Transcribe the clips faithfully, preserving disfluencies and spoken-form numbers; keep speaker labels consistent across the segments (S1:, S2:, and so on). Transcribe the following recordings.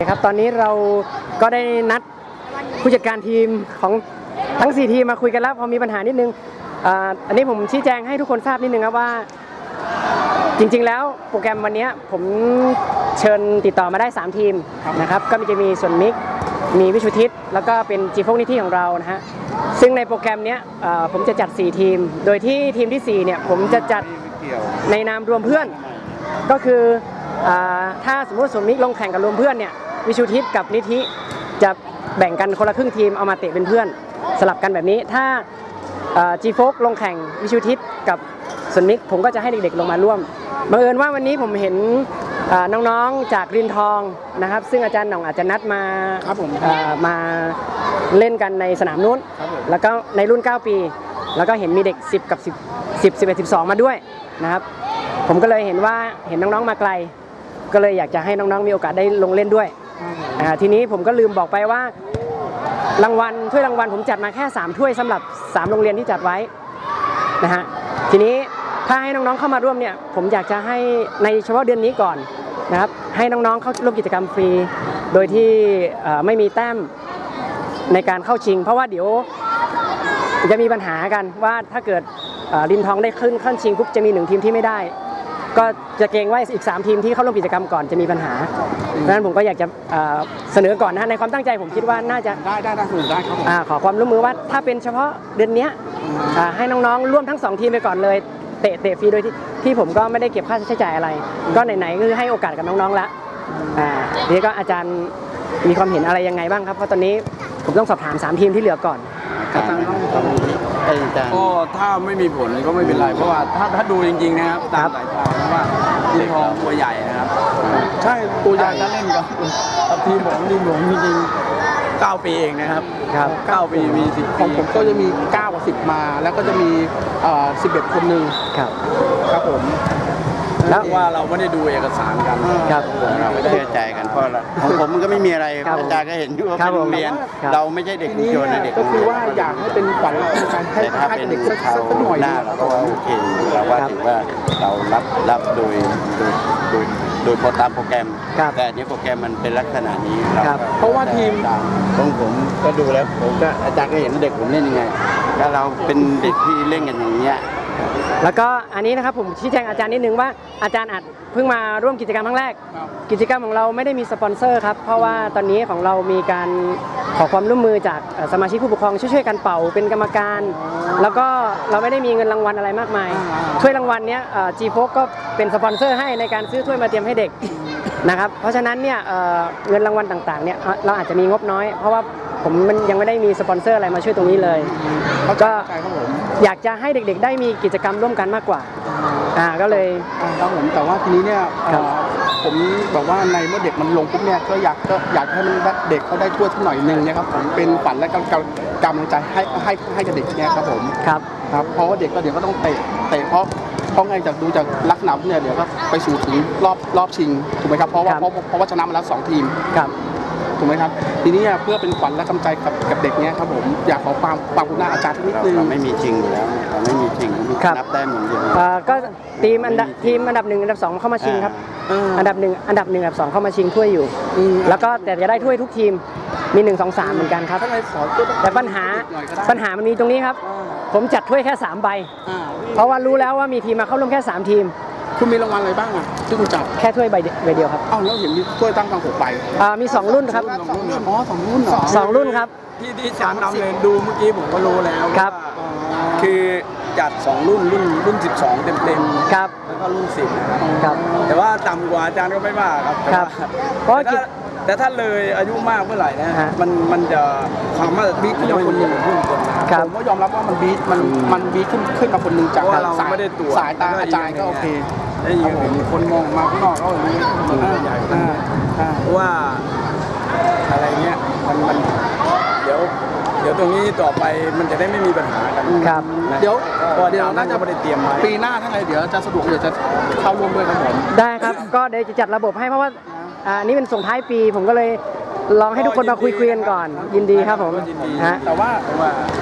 S1: ครับตอนนี้เราก็ได้นัดผู้จัดการทีมของทั้งสี่ทีมมาคุยกันแล้วพอมีปัญหานิดนึงอ่าอันนี้ผมชี้แจงให้ทุกคนทราบนิดนึงครับว่าจริงๆแล้วโปรแกรมวันนี้ผมเชิญติดต่อมาได้สามทีมนะครับก็จะมีส่วนมิกมีวิชุทิศแล้วก็เป็นจีโฟกนิธิของเรานะฮะซึ่งในโปรแกรมนี้ผมจะจัดสี่ทีมโดยที่ทีมที่สี่เนี่ยผมจะจัดในนามรวมเพื่อนก็คือถ้าสมมติส่วนมิกลงแข่งกับรวมเพื่อนเนี่ยวิชุทิศกับนิธิจะแบ่งกันคนละครึ่งทีมเอามาเตะเป็นเพื่อนสลับกันแบบนี้ถ้าจีโฟกลงแข่งวิชุทิศกับส่วนมิกผมก็จะให้เด็กๆลงมาร่วมบังเอิญว่าวันนี้ผมเห็นน้องๆจากรินทองนะครับซึ่งอาจารย์หน่องอาจจะนัดมามาเล่นกันในสนามนู้นแล้วก็ในรุ่นเก้าปีแล้วก็เห็นมีเด็กสิบกับสิบ สิบ สิบเอ็ด สิบสองมาด้วยนะครับผมก็เลยเห็นว่าเห็นน้องๆมาไกลก็เลยอยากจะให้น้องๆมีโอกาสได้ลงเล่นด้วยทีนี้ผมก็ลืมบอกไปว่ารางวัลถ้วยรางวัลผมจัดมาแค่สามถ้วยสำหรับสามโรงเรียนที่จัดไว้นะฮะทีนี้ถ้าให้น้องๆเข้ามาร่วมเนี่ยผมอยากจะให้ในเฉพาะเดือนนี้ก่อนนะครับให้น้องๆเข้าร่วมกิจกรรมฟรีโดยที่ไม่มีแต้มในการเข้าชิงเพราะว่าเดี๋ยวจะมีปัญหากันว่าถ้าเกิดรินทองได้ขึ้นขั้นชิงปุ๊บจะมีหนึ่งทีมที่ไม่ได้ก็จะเกรงว่าอีกสามทีมที่เข้าร่วมกิจกรรมก่อนจะมีปัญหาดังนั้นผมก็อยากจะเสนอก่อนนะในความตั้งใจผมคิดว่าน่าจะ
S2: ได้ได้ได้ได้ครับ
S1: ขอความร่วมมือว่าถ้าเป็นเฉพาะเดือนนี้ให้น้องๆร่วมทั้งสองทีมไปก่อนเลยเตะเตะฟรีโดยที่ที่ผมก็ไม่ได้เก็บค่าใช้จ่ายอะไรก็ไหนๆคือให้โอกาสกับน้องๆแล้วทีนี้ก็อาจารย์มีความเห็นอะไรยังไงบ้างครับเพราะตอนนี้ผมต้องสอบถามสามทีมที่เหลือก่อน
S2: อาจารย์ต้องก็ถ้าไม่มีผลก็ไม่เป็นไรเพราะว่าถ้าถ้าดูจริงๆนะครับตามสายตาว่าดินทองตัวใหญ่นะครับใช่ตัวใหญ่ถ้าเล่นกับทีมผมดินหลวงจริงๆเก้าปีเองนะครับเก้าปีมีสิบของผมก็จะมีเก้ากับสิบมาแล้วก็จะมีสิบเอ็ดคนหนึ่ง
S1: ครับ
S2: ครับผมแล้วว่าเราไม่ได้ดูเอกสารกัน
S1: ครับ
S3: เราไม่เชื่อใจกันเพราะของผมมันก็ไม่มีอะไรอาจารย์ก็เห็นอยู่ว่าเป็นโรงเรียนเราไม่ใช่เด็กชุมชนเด็ก
S2: ก็คือว่าอยากให้เป็นขวัญให้
S3: ถ้าเป็นเด็กสักหน่อยหน้าเราก็โอเคเราว่าถือว่าเรารับรับโดยโดยโดยโดยตามโปรแกรมแต่นี้โปรแกรมมันเป็นลักษณะนี้
S2: เพราะว่าทีม
S3: ของผมก็ดูแล้วผมก็อาจารย์ก็เห็นเด็กผมเล่นยังไงถ้าเราเป็นเด็กที่เล่นกันอย่างเงี้ย
S1: แล้วก็อันนี้นะครับผมชี้แจงอาจารย์นิดนึงว่าอาจารย์อาจเพิ่งมาร่วมกิจกรรมครั้งแรกกิจกรรมของเราไม่ได้มีสปอนเซอร์ครับเพราะว่าตอนนี้ของเรามีการขอความร่วมมือจากสมาชิกผู้ปกครองช่วยๆกันเป่าเป็นกรรมการแล้วก็เราไม่ได้มีเงินรางวัลอะไรมากมายถ้วยรางวัลเนี้ยจีโฟกก็เป็นสปอนเซอร์ให้ในการซื้อถ้วยมาเตรียมให้เด็กนะครับเพราะฉะนั้นเนี่ยเงินรางวัลต่างๆเนี่ยเราอาจจะมีงบน้อยเพราะว่าผมมันยังไม่ได้มีสปอนเซอร์อะไรมาช่วยตรงนี้เลยก็อยากจะให้เด็กๆได้มีกิจกรรมร่วมกันมากกว่าอ่าก็เลย
S2: ครับผมแต่ว่าทีนี้เนี่ยผมบอกว่าในเมื่อเด็กมันลงปุ๊บเนี่ยก็อยากก็อยากให้มันเด็กเขาได้ทั่วสักหน่อยนึงนะครับผมเป็นฝันและกำลังใจให้ให้ให้กับเด็กเนี่ยครับผม
S1: ครับ
S2: ครับเพราะว่าเด็กก็เดี๋ยวก็ต้องเตะเตะเพราะเพราะไงจากดูจากลักษณะเนี่ยเดี๋ยวก็ไปสู่ถึงรอบรอบชิงถูกไหมครับเพราะว่าเพราะเพราะว่าชนะมาแล้วสองทีม
S1: ครับ
S2: ถูกไหมครับทีนี้เพื่อเป็นขวัญและกำลังใจกับกับเด็กเนี้ยครับผมอยากขอความความกรุณาอาจารย์นิดนึง
S3: เราไม่มีจริงอยู่แล้วเราไม่มีจริงนับได้เหมือนเดิม
S1: ก็ทีมอันดับทีมอันดับหนึ่งอันดับสองเข้ามาชิงครับอันดับหนึ่งอันดับหนึ่งอันดับสองเข้ามาชิงถ้วยอยู่แล้วก็แต่จะได้ถ้วยทุกทีมมีหนึ่งสองสามเหมือนกันครับแต่ปัญหาปัญหามันมีตรงนี้ครับผมจัดถ้วยแค่สามใบเพราะว่ารู้แล้วว่ามีทีมมาเข้าร่วมแค่สามทีม
S2: คุณมีรางวัลอะไรบ้างอ่ะที่คุณจับ
S1: แค่ถ้วยใบเดียวครับ
S2: อ้าวแล้วเห็นมีถ้วยตั้งตั้งหกใบ
S1: อ่ามีสองรุ่นครับ
S2: อ๋อสองรุ่นเหรอ
S1: สองรุ่นครับ
S2: ที่ที่จานนำเลยดูเมื่อกี้ผมก็รู้แล้ว
S1: ครับ
S2: คือจัดสองรุ่นรุ่นรุ่นสิบสองเต็มเต็ม
S1: ครับ
S2: แล้วก็รุ่นสิบ
S1: ครับ
S2: แต่ว่าต่ำกว่าอาจารย์ก็ไม่ว่าครับ
S1: ครับเพราะ
S2: แต่ถ้าเลยอายุมากเมื่อไหร่นะมันมันจะความมาบีทขึ้นมาคนหนึ่งขึ้นคนผมก็ยอมรับว่ามันบีทมันมันบีทขึ้นขึ้นมาคนหนึ่งจากสายสายตาอาจารย์ก็โอเคไอ้ยังมีคนมองมาข้างนอกก็อย่างนี้ใหญ่เพราะว่าอะไรเงี้ยมันมันเดี๋ยวเดี๋ยวตรงนี้ต่อไปมันจะได้ไม่มีปัญหากัน
S1: ครับ
S2: เดี๋ยวเดี๋ยวน่าจะไม่ได้เตรียมไว้ปีหน้าถ้าไงเดี๋ยวจะสะดวกเดี๋ยวจะเข้าร่วมด้วยครับผม
S1: ได้ครับก็เดี๋ยวจะจัดระบบให้เพราะว่าอันนี้เป็นส่งท้ายปีผมก็เลยลองให้ทุกคนมาคุยคุยกันก่อนยินดีครับผม
S2: ฮะแต่ว่า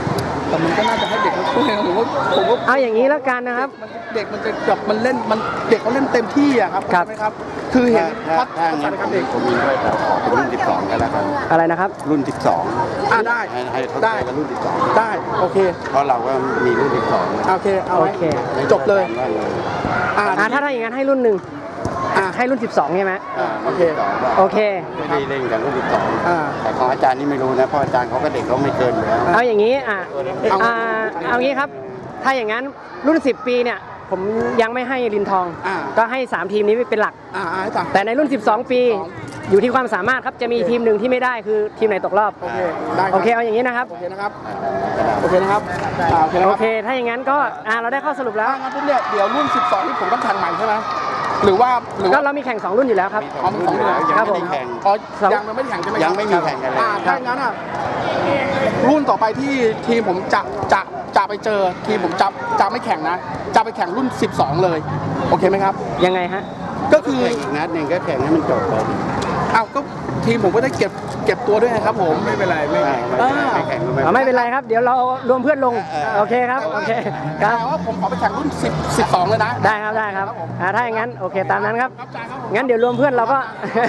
S2: แต่มันก็น่าจะให้เด็กมาช่วยนะผมว่าผมว่า
S1: เอาอย่างนี้แล้วกันนะครับ
S2: มันเด็กมันจะแบบมันเล่นมันเด็กเขาเล่นเต็มที่อะครับ
S1: ครับ
S2: ใช่ไหมครับ คือเห็น
S3: ถ้า
S2: พัฒ
S3: ถ้า
S2: นา
S3: งั้น
S2: การ
S3: ผม
S2: เด็ก
S3: ผมมีด้วยแต่ขอเป็นรุ่นสิบสองกันแล้วกัน
S1: อะไรนะครับ
S3: รุ่นสิบสอง
S2: อ่าได้
S3: ให้ให้เขา
S2: ได้
S3: ใช้กันรุ่นสิบสอง
S2: ได้โอเค
S3: เพราะเราก็มีรุ่นสิบสอง
S2: โอเคเอาไว้
S1: โอเค
S2: จบเลย
S3: ว่าเลย
S2: อ่า
S1: อ่าถ้าถ้าอย่างนั้นให้รุ่นหนึ่ง
S2: อ่า
S1: ให้รุ่นสิบสองใช่ไหม
S3: อ่า
S2: โอเค
S3: รุ่นสิบสอง
S1: โอเค
S3: ไม่ได้เล่นกันรุ่นสิบสอง
S2: อ่า
S3: แต่ของอาจารย์นี่ไม่รู้นะเพราะอาจารย์เขาก็เด็กเขาไม่เกินอยู่แล้ว
S1: เอาอย่างนี้อ่ะ
S2: เอา
S1: อ่าเอางี้ครับ ถ้าอย่างนั้นรุ่นสิบปีเนี่ยผมยังไม่ให้ลินทอง
S2: อ่า
S1: ก็ให้สามทีมนี้เป็นหลัก
S2: อ่าอ่าให้ต่าง
S1: แต่ในรุ่นสิบสองปีอยู่ที่ความสามารถครับจะมีทีมหนึ่งที่ไม่ได้คือทีมไหนตกรอบ
S2: โอเคได้รับ
S1: โอเคเอาอย่างนี้นะครับ
S2: โอเคนะครับโอเคนะครับอ่าโอเคนะค
S1: โอ
S2: รับ
S1: เค ถ้าอย่างนั้นก็อ่าเราได้ข้อสรุปแล้ว
S2: ถ้างั้นปุ๊บเนี่ยเดี๋ยวรุ่นสิบสองที่ผมต้องแข่งใหม่ใช่ไหมหรือว่าหรือ
S1: ก็
S2: ว่า
S1: เรามีแข่งสองรุ่นอยู่แล้วครับ
S2: อ๋อมีสองรุ่นเหรอ
S3: ยัง
S1: ครับ
S3: ไม่
S1: ผม
S3: ได้แข่ง
S2: อ๋อ
S1: สอง
S2: ยังไม่ได้แข่งใช่ไหมครับ
S3: ยังไม่มีแข่งกันเลย
S2: อ่าถ้าอย่างนั้นอ่ะรุ่นต่อไปที่ทีมผมจะจะจะไปเจอทีมผมจะจะไม่แข่งนะ จะไปแข่งรุ่นสิบสองเลยโอเคไหมครับ
S1: ยังไงฮะ
S2: ก็คือ
S3: แข่งอีกนัดหนึ่งก็แข่งให้มันจบไป
S2: อ้าวก็ทีมผมก็ได้เก็บเก็บตัวด้วยนะครับผมไม่เป็นไรไม่
S3: ไม่ไม่ไม่แข่งก็ไม่
S1: เอาไม่เป็นไรครับ เดี๋ยวเรารวมเพื่อนลง โอเคครับ โอเค ค
S2: แต่
S1: รับ
S2: ว่าผมขอไปแข่งรุ่นสิบ สิบสองเลยนะ
S1: ได้ครับ ได้ครับอ่าถ้าอย่างนั้น โอเค ตามนั้นครับ
S2: ครับอาจารย์ครับผม
S1: งั้นเดี๋ยวรวมเพื่อนเราก็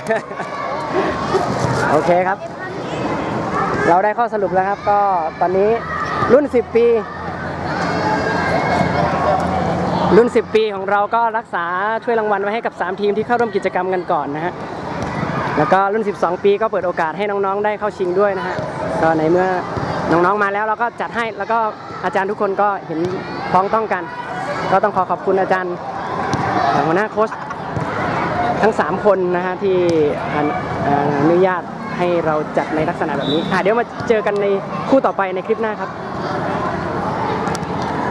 S1: โอเคครับ เราได้ข้อสรุปแล้วครับ ก็ตอนนี้รุ่น สิบ ปี รุ่น สิบ ปีของเราก็รักษาช่วยรางวัลไว้ให้กับสามทีมที่เข้าร่วมกิจกรรมกันก่อนนะฮะ แล้วก็รุ่น สิบสอง ปีก็เปิดโอกาสให้น้องๆ ได้เข้าชิงด้วยนะฮะ ก็ในเมื่อน้องๆ มาแล้วเราก็จัดให้ แล้วก็อาจารย์ทุกคนก็เห็นพ้องต้องกัน ก็ต้องขอขอบคุณอาจารย์หัวหน้าโค้ชทั้งสามคนนะฮะที่อนุญาตให้เราจัดในลักษณะแบบนี้อ่ะเดี๋ยวมาเจอกันในคู่ต่อไปในคลิปหน้าครับ